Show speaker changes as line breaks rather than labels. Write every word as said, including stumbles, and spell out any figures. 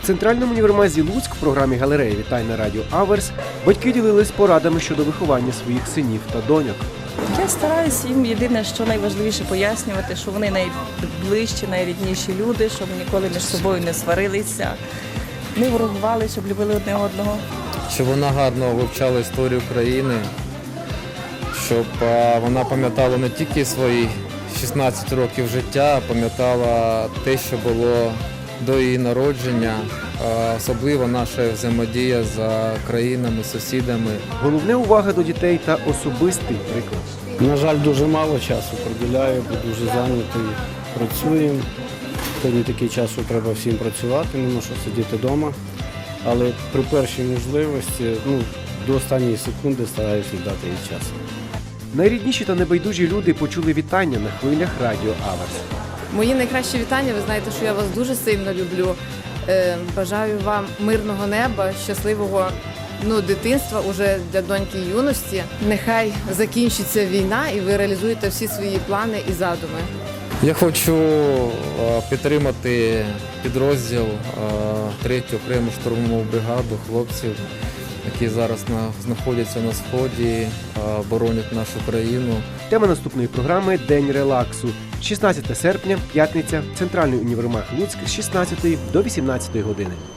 центральному універмазі Луцьк в програмі «Галерея вітань» на радіо Аверс батьки ділились порадами щодо виховання своїх синів та доньок.
Я стараюся їм єдине, що найважливіше пояснювати, що вони найближчі, найрідніші люди, щоб ніколи між собою не сварилися, не ворогували, щоб любили одне одного.
Щоб вона гарно вивчала історію країни, щоб вона пам'ятала не тільки свої шістнадцять років життя, а пам'ятала те, що було до її народження, особливо наша взаємодія з країнами, сусідами.
Головне – увага до дітей та особистий приклад.
На жаль, дуже мало часу приділяю, бо дуже зайнятий, працюємо. Сьогодні такий час, що треба всім працювати, не можу сидіти вдома. Але при першій можливості, ну, до останньої секунди стараюся дати їй час.
Найрідніші та небайдужі люди почули вітання на хвилях радіо Аверс.
Мої найкращі вітання, ви знаєте, що я вас дуже сильно люблю. Е, бажаю вам мирного неба, щасливого ну, дитинства уже для доньки і юності. Нехай закінчиться війна і ви реалізуєте всі свої плани і задуми.
Я хочу підтримати підрозділ третю окрему штурмову бригаду хлопців, які зараз знаходяться на сході, боронять нашу країну.
Тема наступної програми – День релаксу. шістнадцяте серпня, п'ятниця, центральний універмаг Луцьк з шістнадцятої до вісімнадцятої години.